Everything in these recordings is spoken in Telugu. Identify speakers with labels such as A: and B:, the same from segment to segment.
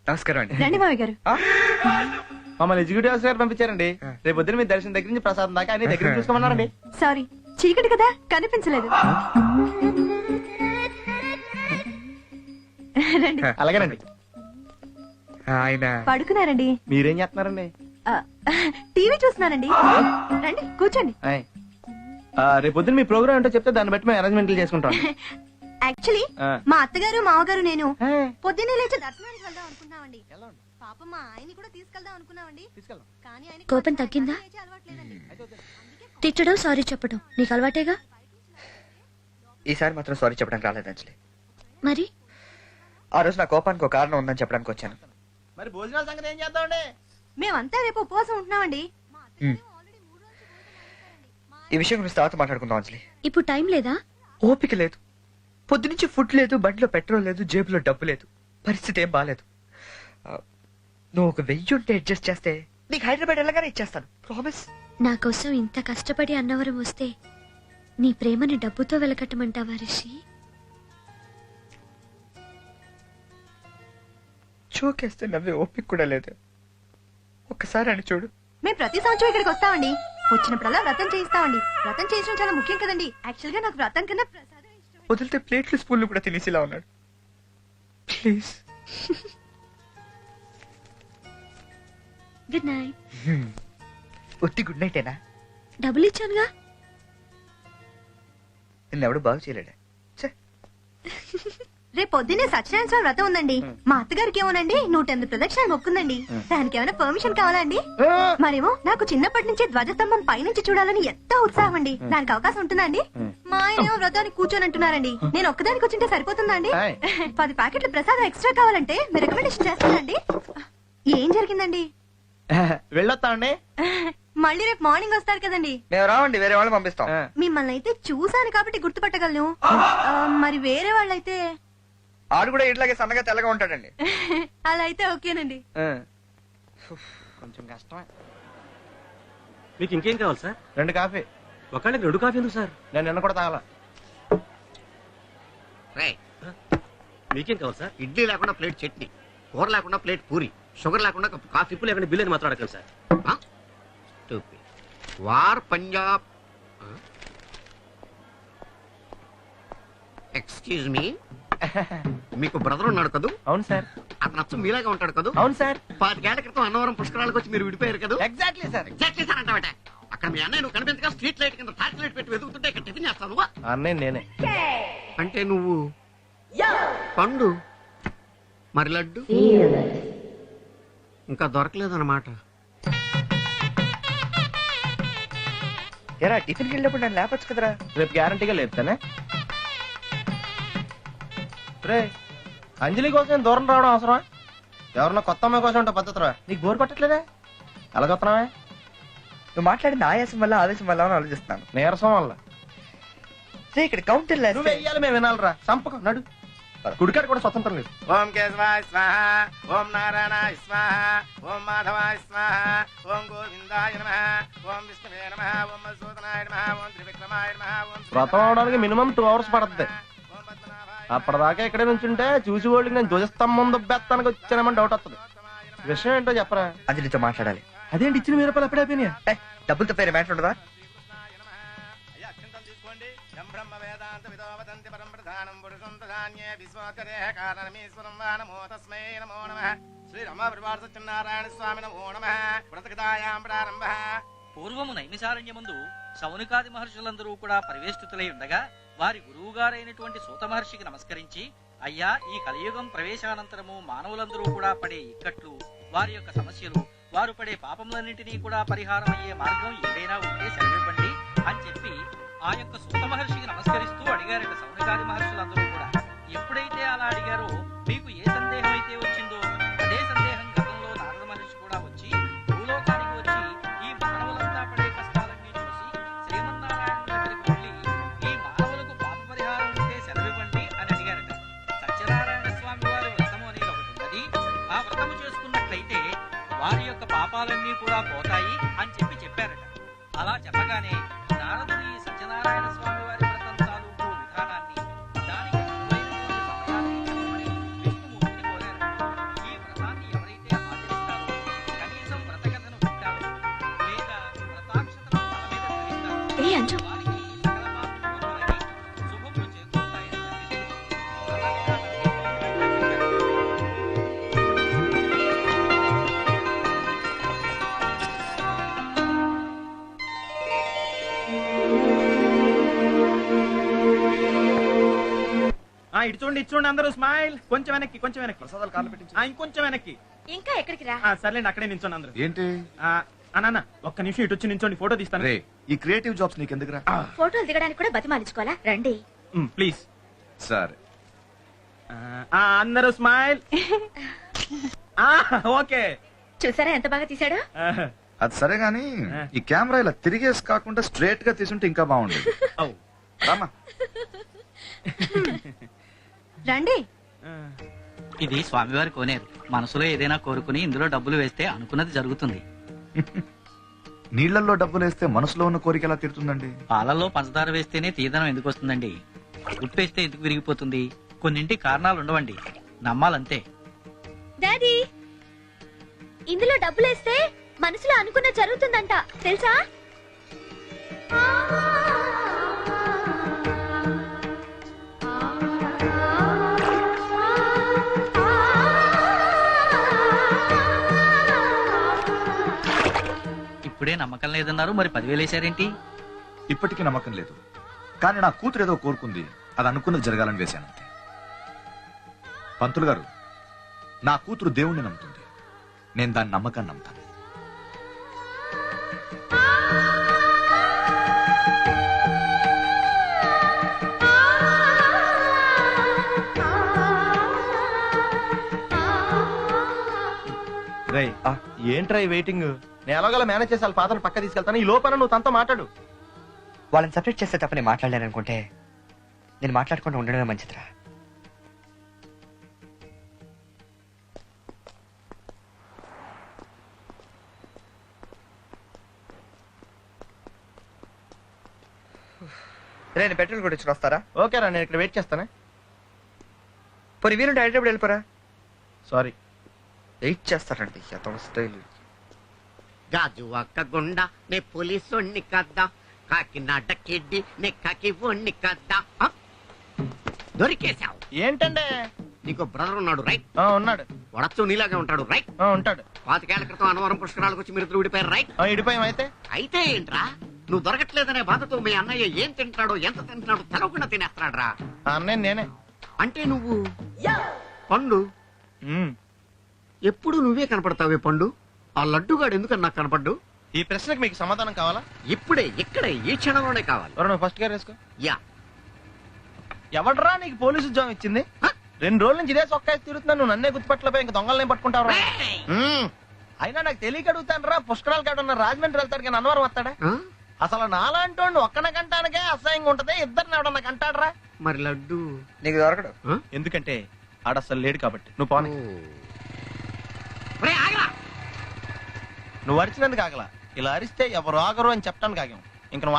A: నమస్కారం అండి.
B: రండి మావి గారు.
C: మమ్మల్ని ఎగ్జిక్యూటివ్ ఆఫీసర్ గారు పంపించారండి. రేపు పొద్దున మీ దర్శనం దగ్గర నుంచి ప్రసాదం దాకా అన్ని దగ్గర చూసుకోమన్నారండి.
B: సారీ, చీకటి కదా కనిపించలేదు. రండి.
C: అలాగేనండి.
A: ఆయన
B: పడుకున్నారండి.
C: మీరేం చేస్తున్నారండి?
B: టీవీ చూస్తున్నానండి. రండి కూర్చోండి.
C: రేపు పొద్దున మీ ప్రోగ్రామ్ ఏంటో చెప్తే దాన్ని బట్టి మేము అరేంజ్మెంట్లు చేసుకుంటాం.
B: యాక్చువల్లీ మా అత్తగారు మామగారు నేను పొద్దున్నే లేచి దర్శనానికి వెళ్దాం అనుకున్నామండి. పాప మా ఆయన్ని కూడా తీసుకెళ్దాం అనుకున్నామండి. కానీ ఆయన
D: కోపం తగ్గిందా? తిట్టడం సారీ చెప్పడం నీకు అలవాటేగా.
A: ఈసారి మాత్రం సారీ చెప్పడానికి రాలేదు అంజలి.
D: మరి
A: ఆ రోజు నా కోపానికి ఒక కారణం ఉందని చెప్పడానికి వచ్చాను.
C: మరి భోజనాల సంగతి ఏం చేద్దామండి?
B: మేమంతా రేపు ఉపవాసం ఉంటున్నామండి.
A: ఈ విషయం గురించి తర్వాత మాట్లాడుకుందాం అంజలి.
D: ఇప్పుడు టైం లేదా?
A: ఓపిక లేదు. పొద్దునుంచి ఫుడ్ లేదు, బండిలో పెట్రోల్ లేదు, జేబులో డబ్బు లేదు. పరిస్థితి ఏం బాలేదు. నువ్వు ఒక 1000 ఉంటే అడ్జస్ట్ చేస్తే నీకు హైదరాబాద్ వెళ్ళగానే ఇచ్చేస్తాను. ప్రామిస్.
D: నా కోసం ఇంత కష్టపడి అన్నవరం వస్తే నీ ప్రేమని డబ్బుతో వెలకట్టమంటావా రిషి?
A: చోకేస్తే నవ్వే ఓపిక కూడా లేదు. ఒక్కసారి అని చూడు.
B: మేము ప్రతి సంవత్సరం ఇక్కడికి వస్తామండి. వచ్చినప్పుడల్లా వ్రతం చేయిస్తామండి. వ్రతం చేయించడం చాలా ముఖ్యం కదండి. యాక్చువల్ గా నాకు వ్రతం కన్నా ప్రసాదం ఇష్టం.
A: వదిలితే ప్లేట్లు స్పూన్లు కూడా తినేసిలా ఉన్నాడు. ప్లీజ్.
D: Good night.
A: ఒత్తి గుడ్ నైట్ ఏనా?
D: డబ్బులు ఇచ్చానుగా.
A: నిన్నెవడు బాగు చేయలేడా?
B: రేపు పొద్దున్నే సత్యనారాయణ స్వామి వ్రతం ఉందండి. మా అత్తగారికి ఏమోనండి 108 ప్రదక్షిణాలు మొక్కుందండి. దానికి ఏమైనా పర్మిషన్ కావాలా అండి? మరేమో నాకు చిన్నప్పటి నుంచి ధ్వజస్తంభం పైనుంచి చూడాలని ఎంతో ఉత్సాహం అండి. దానికి అవకాశం ఉంటుందా అండి? మా ఆయన ఏమో వ్రతానికి కూర్చొని అంటున్నారండి. నేను ఒక్కదానికి వచ్చింటే సరిపోతుందా అండి? 10 ప్యాకెట్ల ప్రసాదం ఎక్స్ట్రా కావాలంటే మీరు రికమెండేషన్ చేస్తానండి. ఏం జరిగిందండి?
C: వెళ్ళొస్తామండి.
B: మళ్ళీ రేపు మార్నింగ్ వస్తారు కదండి.
A: మేము రావండి, వేరే వాళ్ళు పంపిస్తాం.
B: మిమ్మల్ని అయితే చూసాను కాబట్టి గుర్తుపట్టగలను. మరి వేరే వాళ్ళైతే
A: ఆడు కూడా ఇట్లాగే సన్నగా తెల్లగా ఉంటాడండి.
B: అలా అయితే ఓకేనండి.
C: కొంచెం కష్టమే.
E: మీకు ఇంకేం కావాలి సార్?
C: 2 కాఫీ.
E: ఒకళ్ళకి 2 కాఫీ ఎందుకు సార్?
C: నేను నిన్న కూడా తాగాల.
E: మీకేం కావాలి సార్?
F: ఇడ్లీ లేకుండా ప్లేట్ చట్నీ, కూర లేకుండా ప్లేట్ పూరి, షుగర్ లేకుండా కప్పు కాఫీ.
E: ఇప్పుడు లేకుండా బిల్లు అని మాత్రం అడగండి సార్.
F: వార్ పంజాబ్. ఎక్స్క్యూజ్ మీ, మీకు బ్రదర్ ఉన్నాడు కదూ?
C: అవును సార్.
F: అతను అచ్చం మీలాగా ఉంటాడు కదూ?
C: అవును సార్.
F: 5 ఏళ్ల క్రితం అన్నవరం పుష్కరాలకు వచ్చి మీరు విడిపోయారు కదా?
C: Exactly sir.
F: ఎగ్జాక్ట్లీ సార్ అంటావట. అక్కడ మీ అన్నయ్య నువ్వు కనిపించగా స్ట్రీట్ లైట్ కింద టార్చ్ లైట్ పెట్టి వెతుకుతుంటే ఇక్కడ టిఫిన్ చేస్తాను.
C: అన్నయ్య నేనే.
F: అంటే నువ్వు పండు, మరి లడ్డు ఇంకా దొరకలేదన్నమాట.
A: ఎరా టిఫిన్కి వెళ్ళినప్పుడు నన్ను లేపచ్చు కదరా?
C: రేపు గ్యారంటీగా లేపుతానే. రే, అంజలి కోసం దూరం రావడం అవసరమా? ఎవరన్నా కొత్త అమ్మాయి కోసం ఉంటా పద్ధతిరా. నీకు బోర్ కొట్టట్లేదే? అలా చూస్తున్నావే?
A: నువ్వు మాట్లాడిన ఆయాసం వల్ల ఆవేశం వల్ల అని ఆలోచిస్తున్నాను.
C: నీరసం వల్ల.
A: ఇక్కడ కౌంటర్
C: నువ్వు వెయ్యాలి, మేము వినాలరా. సంపకం నడు. కుడికాడు కూడా స్వతంత్రం లేదు.
G: ఓం కేశవాయ స్వాహ, ఓం నారాయణాయ స్వాహ, ఓం మాధవాయ స్వాహ, ఓం గోవిందాయ నమః, ఓం విష్ణువే నమః, ఓం మధుసూదనాయ నమః, ఓం త్రివిక్రమాయ నమః, ఓం
C: వ్రతం అవడానికి మినిమం 2 hours పడుతుంది. అప్పటిదాకా ఇక్కడే నుంచుంటే చూసి వాళ్ళకి నేను ధ్వజస్తంభం దుబ్బెత్తానికి వచ్చానమని డౌట్ వస్తుంది. విషయం ఏంటో చెప్పరా.
A: అంజలితో మాట్లాడాలి.
C: అదేంటి ఇచ్చిన 1000 రూపాయలు ఎప్పుడైపోయినాయా?
A: డబ్బులతో పేరు మ్యాటర్ ఉండదా?
G: తీసుకోండి. బ్రహ్మ వేదాంత విదోవదంతి పరం ప్రధానం పురుషం ప్రధాన్యే విశ్వోత్తరేహ కారణమీశ్వరం వా నమో తస్మై నమో నమః. శ్రీ రమ పరివార సత్యనారాయణ స్వామి నమో నమః. వ్రతకథాయాం ప్రారంభః.
H: పూర్వము నైమిసారణ్యమందు శౌనకాది మహర్షులందరూ కూడా పరివేష్టితులై ఉండగా వారి గురువుగారైనటువంటి సూత మహర్షికి నమస్కరించి, అయ్యా, ఈ కలియుగం ప్రవేశానంతరము మానవులందరూ కూడా పడే ఇక్కట్లు, వారి యొక్క సమస్యలు, వారు పడే పాపములన్నింటినీ కూడా పరిహారం అయ్యే మార్గం ఏదైనా ఉంటే సెలవివ్వండి అని చెప్పి ఆ యొక్క సూత మహర్షికి నమస్కరిస్తూ అడిగారట శౌనకాది మహర్షులందరూ కూడా. ఎప్పుడైతే అలా అడిగారో మీకు ఏ సందేహం అయితే వచ్చిందో అదే సందేహం గతంలో నారద మహర్షి కూడా వచ్చి భూలోకానికి వచ్చి ఈ మానవులంతా పడే కష్టాలన్నీ చూసి శ్రీమన్నారాయణ దగ్గరికి వెళ్ళి ఈ మానవులకు పాప పరిహారం ఉంటే సెలవివ్వండి అని అడిగారట. సత్యనారాయణ స్వామి వారి వ్రతము అనేది ఒకటి ఉన్నది. ఆ వ్రతము చేసుకున్నట్లయితే వారి యొక్క పాపాలన్నీ కూడా పోతాయి అని చెప్పారట. అలా చెప్పగానే నారదుడు ఈ సత్యనారాయణ స్వామి వారి వ్రతం తాలూకు విధానాన్ని, దానికి అనువైనటువంటి సమయాన్ని చెప్పమని విష్ణుమూర్తిని కోరారు. ఈ వ్రతాన్ని
C: ఇటు చూడండి ఇటు చూడండి అందరూ స్మైల్. కొంచెం వెనక్కి కొంచెం వెనక్కి.
I: ప్రసాదాలు కాళ్ళు పెట్టించు.
C: ఇంకొంచెం వెనక్కి.
D: ఇంకా ఎక్కడికి రా?
C: సర్లేండి అక్కడే నించోండి అందరూ.
I: ఏంటి
C: అన్న ఒక్క నిమిషం ఇటు వచ్చి నించోండి, ఫోటో తీస్తాను.
I: రే ఈ క్రియేటివ్ జాబ్స్ నీకు ఎందుకురా?
D: ఫోటోలు దిగడానికి కూడా బతిమాలించుకోవాలా? రండి.
C: ప్లీజ్.
I: సరే
C: అందరూ స్మైల్. ఓకే.
D: చూసారా ఎంత బాగా తీసాడో?
I: అది సరే గాని ఈ కెమెరా ఇలా తిరిగేసి కాకుండా స్ట్రేట్ గా తీసుంటే ఇంకా బాగుండేది. రామా
B: రండి.
H: ఇది స్వామివారి కోనేరు. మనసులో ఏదైనా కోరుకుని ఇందులో డబ్బులు వేస్తే అనుకున్నది జరుగుతుంది.
I: నీళ్లలో డబ్బులు వేస్తే మనసులో ఉన్న కోరిక ఎలా తీరుతుందండి?
H: పాలల్లో పంచదార వేస్తేనే తీదనం ఎందుకు వస్తుందండి? ఉప్పేస్తే ఎందుకు విరిగిపోతుంది? కొన్నింటి కారణాలు ఉండవండి, నమ్మాలంతే.
D: డాడీ, ఇందులో డబ్బులేస్తే మనసులో అనుకున్న జరుగుతుందంట తెలుసా?
H: ఇప్పుడే నమ్మకం లేదన్నారు, మరి 10,000 వేశారేంటి?
I: ఇప్పటికీ నమ్మకం లేదు, కానీ నా కూతురు ఏదో కోరుకుంది, అది అనుకున్నది జరగాలని వేశానంతే. పంతులు గారు, నా కూతురు దేవుణ్ణి నమ్ముతుంది, నేను దాని నమ్మకాన్ని నమ్ముతాను.
C: ఏంట్రా ఈ వెయిటింగ్? నేను ఎలాగోలా మేనేజ్ చేసి వాళ్ళ పాత్రను పక్క తీసుకెళ్తాను. ఈ లోపల నువ్వు తనతో మాట్లాడు.
A: వాళ్ళని సపరేట్ చేస్తే తప్ప నేను మాట్లాడలేను అనుకుంటే నేను మాట్లాడకుండా ఉండడమే మంచిదిరా. నేను పెట్రోల్ కూడా ఇచ్చి వస్తారా?
C: ఓకేరా, నేను ఇక్కడ వెయిట్ చేస్తానే.
A: పోనీ వీలుంటే హైదరాబాద్ వెళ్ళిపోరా.
C: సారీ.
A: వెయిట్ చేస్తారండి అతను స్టైల్.
F: గాజు ఒక్క గుండ నే పోలీసోణ్ణి కద్దా, కాకినాడ కిడ్డి నే కాకి ఒణ్ణి కద్దా. దొరికేశావు.
C: ఏంటంటే
F: నీకు బ్రదర్ ఉన్నాడు రైట్?
C: ఉన్నాడు.
F: వడచ్చు నీలాగే ఉంటాడు రైట్?
C: ఉంటాడు.
F: 25 ఏళ్ల క్రితం అన్నవరం పుష్కరాలకు వచ్చి మీరు విడిపోయారు రైట్?
C: ఇడిపోయాం. అయితే
F: అయితే ఏంట్రా, నువ్వు దొరకట్లేదనే బాధతో మీ అన్నయ్య ఏం తింటాడో ఎంత తింటున్నాడో తెలవకుండా తినేస్తాడ్రా.
C: అన్నయ్య నేనే.
F: అంటే నువ్వు పండు. ఎప్పుడు నువ్వే కనపడతావే పండు. ఆ లడ్డుగాడు ఎందుకని నాకు కనపడ్డు?
C: ఈ ప్రశ్నకు మీకు సమాధానం కావాలా?
F: ఇప్పుడే ఇక్కడే ఈ క్షణంలోనే కావాలి.
C: నువ్వు ఫస్ట్ గారు వేసుకో.
F: యా.
C: ఎవడరా నీకు పోలీసు ఉద్యోగం ఇచ్చింది? 2 రోజుల నుంచి ఇదే చొక్కా తిరుగుతున్నాను, నువ్వు నన్నే గుర్తుపట్టలేపోయి ఇంక దొంగలనే పట్టుకుంటావు. అయినా నాకు తెలియక అడుగుతాను రా, పుష్కరాలు కాడు ఉన్న రాజమండ్రి వెళ్తాడు కానీ అన్నవరం వస్తాడా? అసలు నాలాంటి వాడిని ఒక్కన కంటానికే అసహ్యంగా ఉంటది, ఇద్దరిని ఎవడన్నా కంటాడరా?
F: మరి లడ్డు
A: నీకు దొరకడు.
C: ఎందుకంటే ఆడ అసలు లేడు కాబట్టి. నువ్వు పోనీ. నువ్వు అరిచినందుకు ఆగలా, ఇలా అరిస్తే ఎవరు ఆగరు అని చెప్పడానికి ఆగాం. ఇంక నువ్వు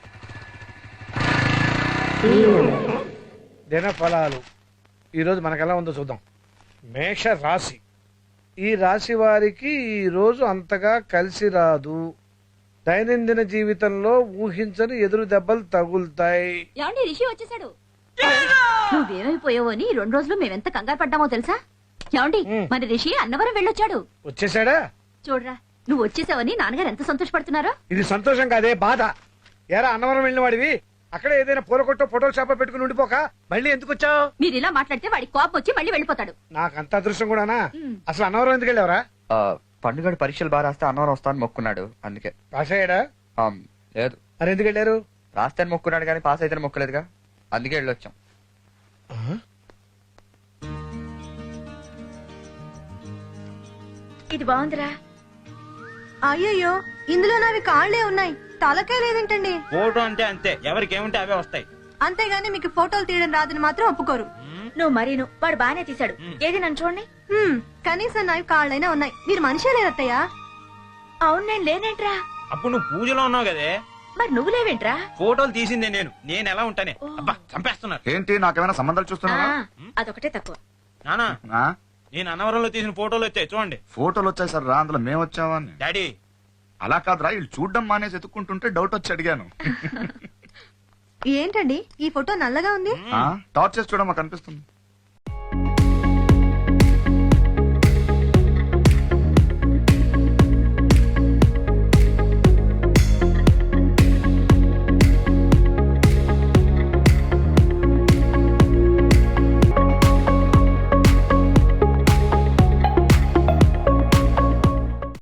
J: దిన ఫలాలు ఈరోజు మనకెలా ఉందో చూద్దాం. మేష రాశి. ఈ రాశి వారికి ఈ రోజు అంతగా కలిసి రాదు. దైనందిన జీవితంలో ఊహించని ఎదురు దెబ్బలు తగులుతాయి.
B: ఏమండి, రిషి వచ్చేసాడు. నువ్వేమైపోయావో అని 2 రోజులు మేమెంత కంగారు పడ్డామో తెలుసా? ఏమండి, మరి రిషి అన్నవరం వెళ్ళొచ్చాడు.
J: వచ్చేసాడా?
B: చూడరా, నువ్వు వచ్చేసావని నాన్నగారు ఎంత సంతోషపడుతున్నారో.
J: ఇది సంతోషం కాదే, బాధ. ఎరా అన్నవరం వెళ్ళిన వాడివి అక్కడే ఏదైనా పూల కొట్టో ఫోటోలు షాప్ పెట్టుకుని ఉండిపోక మళ్ళీ ఎందుకు వచ్చావు?
B: మీరు ఇలా మాట్లాడితే వాడికి కోపం వచ్చి మళ్ళీ వెళ్ళిపోతాడు.
J: నాకు అంత అదృష్టం కూడానా? అసలు అన్నవరం ఎందుకు వెళ్ళావరా?
A: పండుగడు పరీక్షలు బాగా రాస్తే అన్నవరం వస్తాను మొక్కున్నాడు, అందుకే.
J: పాస్ అయ్యాడా?
A: లేదు.
J: మరి ఎందుకు వెళ్ళారు?
A: రాస్తే మొక్కున్నాడు కానీ పాస్ అయితే మొక్కలేదుగా, అందుకే వెళ్ళొచ్చాం.
D: ఇది బాగుందిరా.
B: అయ్యయ్యో, ఇందులో నావి కాళ్లే ఉన్నాయి, తలకే లేదేంటండి?
C: ఫోటో అంటే అంతే, ఎవరికి ఏముంటే అవే వస్తాయి.
B: అంతేగాని మీకు ఫోటోలు తీయడం రాదని మాత్రం ఒప్పుకోరు.
D: నువ్వు మరీను, వాడు బానే తీశాడు. ఏది నన్ను చూడండి.
B: కనీసం నావి కాళ్ళైనా ఉన్నాయి, మీరు మనిషే లేదత్తయ్యా.
D: అవును, నేను లేనేంట్రా.
C: అప్పుడు నువ్వు పూజలో ఉన్నావు కదే,
D: మరి నువ్వు లేవేంట్రా?
C: ఫోటోలు తీసిందే నేను ఎలా ఉంటానే? అబ్బా చంపేస్తున్నారు.
I: ఏంటి నాకేమైనా సంబంధాలు చూస్తున్నావా?
D: అదొకటే తక్కువ.
C: నానా, నేను అన్నవరంలో తీసిన ఫోటోలు వచ్చాయి చూడండి.
I: ఫోటోలు వచ్చాయి సార్ రా, అందులో మేము వచ్చావా?
C: డాడీ
I: అలా కాదురా, వీళ్ళు చూడడం మానేసి ఎత్తుక్కుంటుంటే డౌట్ వచ్చి అడిగాను.
B: ఏంటండి ఈ ఫోటో నల్లగా ఉంది?
I: టార్చ్ చేసి చూడమా కనిపిస్తుంది.